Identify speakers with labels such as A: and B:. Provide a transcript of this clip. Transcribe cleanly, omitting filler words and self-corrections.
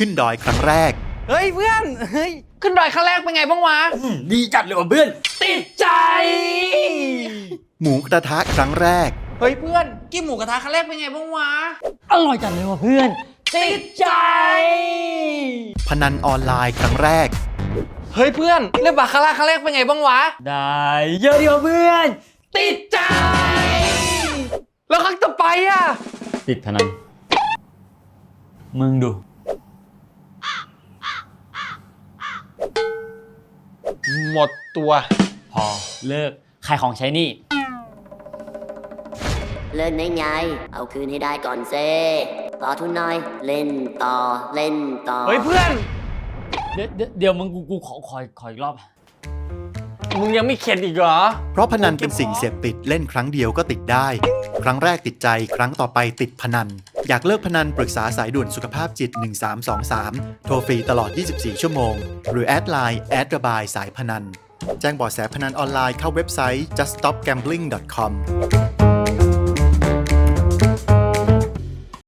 A: ขึ้นดอยครั้งแรก
B: เฮ้ยเพื่อนเฮ้ยขึ้นดอยครั้งแรกเป็นไงบ้างวะ
C: ดีจัดเลยว่ะเพื่อน
B: ติดใจ
A: หมูกระทะครั้งแรก
B: เฮ้ยเพื่อนกินหมูกระทะครั้งแรกเป็นไงบ้างวะ
C: อร่อยจัดเลยว่ะเพื่อน
B: ติดใจ
A: พนันออนไลน์ครั้งแรก
B: เฮ้ยเพื่อนเล่นบาคาร่าครั้งแรกเป็นไงบ้างวะ
C: ได้เยอะดีว่ะเพื่อน
B: ติดใจ แล้วครั้งต่อไปอ่ะ
C: ติดพนันมึงดู
B: หมดตัว
C: พอเลิกขายของใช้หนี่
D: เล่นได้ไง เอาคืนให้ได้ก่อนเซ่ต่อทุนหน่อย เล่นต่อ เล่นต่อ
B: เฮ้ยเพื่อน
C: เดี๋ยวมึงกูขออีกรอบ
B: มึงยังไม่เข็ดอีกเหรอ
A: เพราะพนันเป็นสิ่งเสพติดเล่นครั้งเดียวก็ติดได้ ครั้งแรกติดใจครั้งต่อไปติดพนัน อยากเลิกพนันปรึกษาสายด่วนสุขภาพจิต 1323 โทรฟรีตลอด 24 ชั่วโมง หรือแอดไลน์ระบายสายพนัน แจ้งเบาะแสพนันออนไลน์เข้าเว็บไซต์ juststopgambling.com